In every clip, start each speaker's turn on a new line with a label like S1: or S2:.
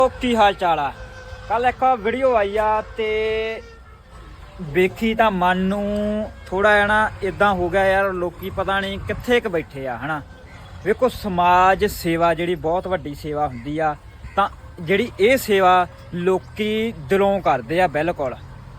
S1: ਕੀ ਹਾਲ ਚਾਲ ਆ। ਕੱਲ ਇੱਕ ਵੀਡੀਓ ਆਈ ਆ ਤੇ ਵੇਖੀ ਤਾਂ ਮਨ ਨੂੰ ਥੋੜਾ ਜਿਹਾ ਨਾ ਇਦਾਂ ਹੋ ਗਿਆ ਯਾਰ, ਲੋਕੀ ਪਤਾ ਨਹੀਂ ਕਿੱਥੇ ਕ ਬੈਠੇ ਆ ਹਨਾ। ਵੇਖੋ ਸਮਾਜ ਸੇਵਾ ਜਿਹੜੀ ਬਹੁਤ ਵੱਡੀ ਸੇਵਾ ਹੁੰਦੀ ਆ, ਤਾਂ ਜਿਹੜੀ ਇਹ ਸੇਵਾ ਲੋਕੀ ਦਿਲੋਂ ਕਰਦੇ ਆ, ਬਿਲਕੁਲ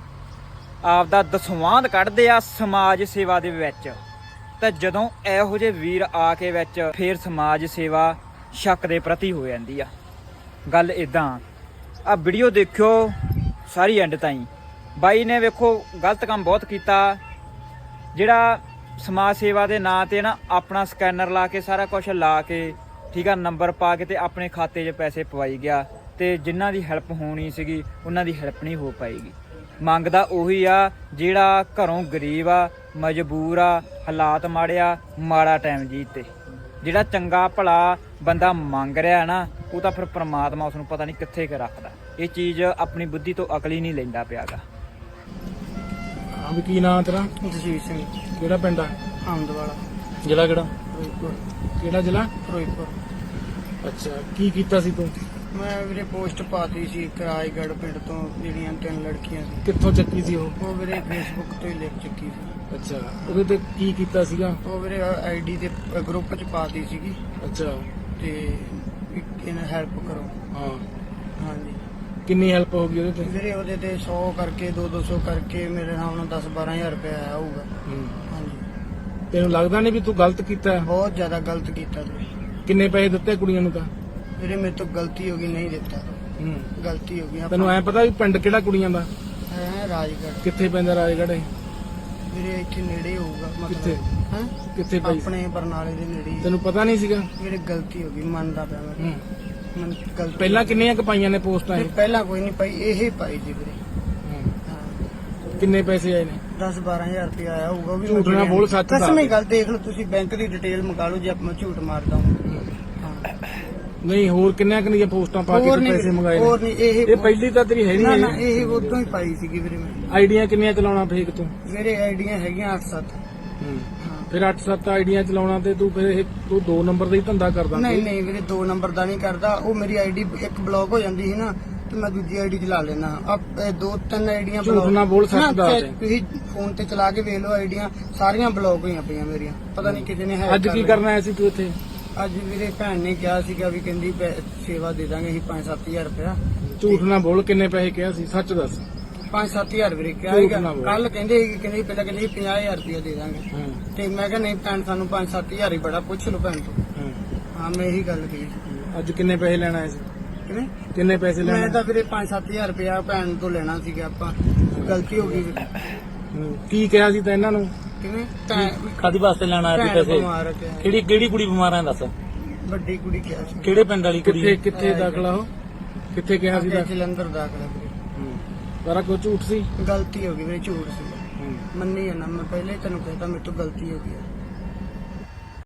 S1: ਆਪਦਾ ਦਸਵੰਧ ਕੱਢਦੇ ਆ ਸਮਾਜ ਸੇਵਾ ਦੇ ਵਿੱਚ। ਤੇ ਜਦੋਂ ਇਹੋ ਜਿਹੇ ਵੀਰ ਆ ਕੇ ਵਿੱਚ ਫੇਰ ਸਮਾਜ ਸੇਵਾ ਸ਼ੱਕ ਦੇ ਪ੍ਰਤੀ ਹੋ ਜਾਂਦੀ ਆ। ਗੱਲ ਇਦਾਂ ਆ, ਵੀਡੀਓ ਦੇਖਿਓ ਸਾਰੀ ਐਂਡ ਤਾਈਂ। ਬਾਈ ਨੇ ਵੇਖੋ ਗਲਤ ਕੰਮ ਬਹੁਤ ਕੀਤਾ, ਜਿਹੜਾ ਸਮਾਜ ਸੇਵਾ ਦੇ ਨਾਂ ਤੇ ਨਾ ਆਪਣਾ ਸਕੈਨਰ ਲਾ ਕੇ ਸਾਰਾ ਕੁਝ ਲਾ ਕੇ ਠੀਕ ਆ, ਨੰਬਰ ਪਾ ਕੇ ਤੇ ਆਪਣੇ ਖਾਤੇ 'ਚ ਪੈਸੇ ਪਵਾਈ ਗਿਆ, ਤੇ ਜਿਨ੍ਹਾਂ ਦੀ ਹੈਲਪ ਹੋਣੀ ਸੀਗੀ ਉਹਨਾਂ ਦੀ ਹੈਲਪ ਨਹੀਂ ਹੋ ਪਾਏਗੀ। ਮੰਗਦਾ ਉਹੀ ਆ ਜਿਹੜਾ ਘਰੋਂ ਗਰੀਬ ਆ, ਮਜਬੂਰ ਆ, ਹਾਲਾਤ ਮਾੜੇ ਆ, ਮਾੜਾ ਟਾਈਮ ਜੀਤੇ। ਜਿਹੜਾ ਚੰਗਾ ਭਲਾ ਬੰਦਾ ਮੰਗ ਰਿਹਾ ਨਾ, ਉਹ ਤਾਂ ਫਿਰ ਪ੍ਰਮਾਤਮਾ ਉਸ ਨੂੰ ਪਤਾ ਨਹੀਂ ਕਿੱਥੇ ਕੁ ਰੱਖਦਾ। ਇਹ ਚੀਜ਼ ਆਪਣੀ ਬੁੱਧੀ ਤੋਂ ਅਕਲ ਹੀ ਨਹੀਂ ਲੈਂਦਾ ਪਿਆਗਾ।
S2: ਹਾਂ ਵੀ ਕੀ ਨਾਂ ਤੇਰਾ?
S3: ਜਸਵੀਰ ਸਿੰਘ।
S2: ਕਿਹੜਾ ਪਿੰਡ ਆ?
S3: ਆਮਦਵਾਲਾ।
S2: ਜ਼ਿਲ੍ਹਾ ਕਿਹੜਾ?
S3: ਫਿਰੋਜ਼ਪੁਰ।
S2: ਕਿਹੜਾ ਜ਼ਿਲ੍ਹਾ?
S3: ਫਿਰੋਜ਼ਪੁਰ।
S2: ਅੱਛਾ, ਕੀ ਕੀਤਾ ਸੀ ਤੂੰ?
S3: ਮੈਂ ਵੀਰੇ ਪੋਸਟ ਪਾਤੀ ਸੀ ਰਾਜਗੜ੍ਹ ਪਿੰਡ ਤੋਂ, ਜਿਹੜੀਆਂ 3 ਲੜਕੀਆਂ ਸੀ।
S2: ਕਿੱਥੋਂ ਚੱਕੀ ਸੀ ਉਹ?
S3: ਉਹ ਵੀਰੇ ਫੇਸਬੁੱਕ ਤੋਂ ਹੀ ਲਿਖ ਚੁੱਕੀ ਸੀ।
S2: ਅੱਛਾ, ਉਹਦੇ ਤੇ ਕੀ ਕੀਤਾ ਸੀਗਾ?
S3: ਉਹ ਵੀਰੇ ਆਈਡੀ ਦੇ ਗਰੁੱਪ 'ਚ ਪਾਤੀ ਸੀਗੀ,
S2: ਅੱਛਾ,
S3: ਤੇ ਇਹਨਾਂ ਹੈਲਪ ਕਰੋ।
S2: ਹਾਂ,
S3: ਹਾਂਜੀ
S2: ਕਿੰਨੀ ਹੈਲਪ ਹੋ ਗਈ ਉਹਦੇ ਤੇ?
S3: ਵੀਰੇ ਉਹਦੇ ਤੇ 100 ਕਰਕੇ 200 ਕਰਕੇ ਮੇਰੇ ਨਾਲ ਹੁਣ 10-12 ਹਜ਼ਾਰ ਰੁਪਇਆ ਆਇਆ ਹੋਊਗਾ।
S2: ਹੂੰ।
S3: ਹਾਂਜੀ,
S2: ਤੈਨੂੰ ਲੱਗਦਾ ਨਹੀਂ ਵੀ ਤੂੰ ਗਲਤ ਕੀਤਾ ਹੈ?
S3: ਬਹੁਤ ਜ਼ਿਆਦਾ ਗਲਤ ਕੀਤਾ ਤੁਸੀਂ।
S2: ਕਿੰਨੇ ਪੈਸੇ ਦਿੱਤੇ ਕੁੜੀਆਂ ਨੂੰ ਤਾਂ?
S3: ਵੀਰੇ ਮੇਰੇ ਤੋਂ ਗਲਤੀ ਹੋ ਗਈ, ਨਹੀਂ ਦਿੱਤਾ।
S2: ਹੂੰ।
S3: ਗਲਤੀ ਹੋ ਗਈ।
S2: ਤੈਨੂੰ ਐ ਪਤਾ ਵੀ ਪਿੰਡ ਕਿਹੜਾ ਕੁੜੀਆਂ ਦਾ?
S3: ਹੈ ਰਾਜਗੜ੍ਹ।
S2: ਕਿੱਥੇ ਪੈਂਦਾ ਰਾਜਗੜ੍ਹ? ਇਹ
S3: ਵੀਰੇ ਇੱਥੇ ਨੇੜੇ ਹੋਊਗਾ
S2: ਕਿੱਥੇ?
S3: ਮਤਲਬ। ਹਾਂ,
S2: ਕਿੱਥੇ ਪਈ?
S3: ਆਪਣੇ ਬਰਨਾਲੇ ਦੇ ਨੇੜੇ ਹੀ।
S2: ਤੈਨੂੰ ਪਤਾ ਨਹੀਂ ਸੀਗਾ?
S3: ਮੇਰੇ ਗਲਤੀ ਹੋ ਗਈ, ਮੰਨਦਾ ਪਿਆ ਮੈਂ।
S2: ਹੂੰ।
S3: ਮੈਨੂੰ ਗਲਤੀ
S2: ਪਹਿਲਾਂ ਕਿੰਨੀਆਂ ਕੁ ਪਾਈਆਂ ਨੇ ਪੋਸਟਾਂ ਇਹ?
S3: ਪਹਿਲਾਂ ਕੋਈ ਨਹੀਂ ਪਾਈ, ਇਹ ਪਾਈ ਜੀ ਵੀਰੇ।
S2: ਹੂੰ।
S3: ਹਾਂ,
S2: ਕਿੰਨੇ ਪੈਸੇ ਆਏ ਨੇ?
S3: 10-12 ਹਜ਼ਾਰ ਰੁਪਏ ਆਇਆ ਹੋਊਗਾ। ਉਹ ਵੀ
S2: ਝੂਠ ਨਾ ਬੋਲ, ਸੱਚ ਦੱਸ।
S3: ਕਸਮੀ ਗੱਲ ਦੇਖ ਲਓ ਤੁਸੀਂ, ਬੈਂਕ ਦੀ ਡਿਟੇਲ ਮੰਗਾ ਲਓ ਜੇ ਮੈਂ ਝੂਠ ਮਾਰਦਾ ਹਾਂ। ਹਾਂ,
S2: ਨਹੀਂ, ਹੋਰ ਕਿੰਨੀਆਂ ਕਿੰਨੀਆਂ ਪੋਸਟਾਂ ਪਾ ਕੇ
S3: ਹੋਰ
S2: ਤੂੰ
S3: ਨਹੀਂ
S2: ਪੈਸੇ ਮੰਗਾਏ ਨੇ?
S3: ਹੋਰ ਨਹੀਂ।
S2: ਇਹ ਪਹਿਲੀ ਤਾਂ ਤੇਰੀ ਹੈ
S3: ਨਾ ਨਾ,
S2: ਨਹੀਂ।
S3: ਇਹ ਉਦੋਂ ਹੀ ਪਾਈ ਸੀਗੀ ਵੀਰੇ ਮੈਂ।
S2: ਆਈਡੀਆਂ ਕਿੰਨੀਆਂ ਚਲਾਉਣਾ ਫੇਕ ਤੂੰ?
S3: ਮੇਰੇ ਆਈਡੀਆਂ ਹੈਗੀਆਂ 8-7। ਹਾਂ,
S2: ਫਿਰ 8-7 ਆਈਡੀਆਂ ਚਲਾਉਣਾ ਤੇ ਤੂੰ ਫਿਰ ਇਹ ਤੂੰ 2 ਨੰਬਰ ਦਾ ਹੀ ਧੰਦਾ ਕਰਦਾ?
S3: ਨਹੀਂ ਨਹੀਂ ਵੀਰੇ, 2 ਨੰਬਰ ਦਾ ਨਹੀਂ ਕਰਦਾ। ਉਹ ਮੇਰੀ ਆਈਡੀ ਇੱਕ ਬਲੌਕ ਹੋ ਜਾਂਦੀ ਸੀ ਨਾ, ਤੇ ਮੈਂ ਦੂਜੀ ਆਈਡੀ ਚਲਾ ਲੈਣਾ। ਅਬ 2-3 ਆਈਡੀਆਂ
S2: ਝੂਠ ਨਾ ਬੋਲ, ਸੱਚ ਦੱਸ।
S3: ਤੁਸੀਂ ਫੋਨ ਤੇ ਚਲਾ ਕੇ ਵੇਖ ਲਓ, ਆਈਡੀਆਂ ਸਾਰੀਆਂ ਬਲੌਕ ਹੋਈਆਂ ਪਈਆਂ ਮੇਰੀਆਂ। ਪਤਾ ਨਹੀਂ ਕਿਤੇ ਨੇ hack
S2: ਅੱਜ
S3: ਕਰ
S2: ਕੀ
S3: ਲਿਆ।
S2: ਕਰਨਾ ਆਇਆ ਸੀ ਤੂੰ ਇੱਥੇ?
S3: ਅੱਜ ਵੀਰੇ ਭੈਣ ਨੇ ਕਿਹਾ ਸੀਗਾ ਵੀ ਕਹਿੰਦੀ ਸੇਵਾ ਦੇ ਦਾਂਗੇ ਅਸੀਂ 5-7 ਹਜ਼ਾਰ ਰੁਪਇਆ।
S2: ਝੂਠ ਨਾ ਬੋਲ, ਕਿੰਨੇ ਪੈਸੇ ਕਿਹਾ ਸੀ? ਸੱਚ ਦੱਸ।
S3: 5-7 ਹਜ਼ਾਰ ਵੀਰੇ ਕਿਹਾ
S2: ਝੂਠ
S3: ਸੀਗਾ।
S2: ਨਾ ਬੋਲ।
S3: ਕੱਲ ਕਹਿੰਦੇ ਸੀ, ਕਹਿੰਦੇ ਪਹਿਲਾਂ ਕਹਿੰਦੇ 50,000 ਰੁਪਇਆ ਦੇ ਦਾਂਗੇ।
S2: ਹਾਂ,
S3: ਤੇ ਮੈਂ ਕਿਹਾ ਨਹੀਂ ਭੈਣ, ਸਾਨੂੰ 5-7 ਹਜ਼ਾਰ ਹੀ ਬੜਾ, ਪੁੱਛ ਲਓ ਭੈਣ ਤੋਂ।
S2: ਹਾਂ।
S3: ਹਾਂ, ਮੈਂ ਇਹੀ ਗੱਲ ਕਹੀ।
S2: ਅੱਜ ਕਿੰਨੇ ਪੈਸੇ ਲੈਣਾ ਆਇਆ ਸੀ?
S3: ਕਿਵੇਂ?
S2: ਕਿੰਨੇ ਪੈਸੇ
S3: ਮੈਂ
S2: ਲੈਣਾ?
S3: ਤਾਂ ਵੀਰੇ 5-7 ਹਜ਼ਾਰ ਰੁਪਇਆ ਭੈਣ ਤੋਂ ਲੈਣਾ ਸੀਗਾ। ਆਪਾਂ ਗਲਤੀ ਹੋ ਗਈ ਵੀਰੇ।
S2: ਕੀ ਕਿਹਾ ਸੀ ਤਾਂ ਇਹਨਾਂ ਨੂੰ?
S3: ਕਿਵੇਂ? ਭੈਣ
S4: ਕਾਦੀ ਵਾਸਤੇ ਲੈਣਾ ਆਇਆ ਸੀ
S3: ਭੈਣ
S4: ਪੈਸੇ?
S3: ਬਿਮਾਰ ਆ ਕਿਹਾ।
S4: ਕਿਹੜੀ ਕੁੜੀ ਬਿਮਾਰ ਹੈ ਦੱਸ?
S3: ਵੱਡੀ ਕੁੜੀ ਕਿਹਾ ਸੀ।
S4: ਕਿਹੜੇ ਪਿੰਡ ਵਾਲੀ ਕੁੜੀ?
S2: ਕਿੱਥੇ ਦਾਖਲਾ ਹੋ? ਕਿੱਥੇ ਕਿਹਾ ਸੀ?
S3: ਅੱਗੇ ਜਲੰਧਰ ਦਾਖਲਾ ਵੀਰੇ।
S2: ਸਾਰਾ ਕੁਝ ਝੂਠ ਸੀ?
S3: ਗਲਤੀ ਹੋ ਗਈ ਵੀਰੇ, ਝੂਠ ਸੀ। ਮੰਨੀ ਹੈ ਨਾ, ਮੈਂ ਪਹਿਲੇ ਹੀ ਤੈਨੂੰ ਕਹਿਤਾ ਮੇਰੇ ਤੋਂ ਗਲਤੀ ਹੋ ਗਈ ਹੈ।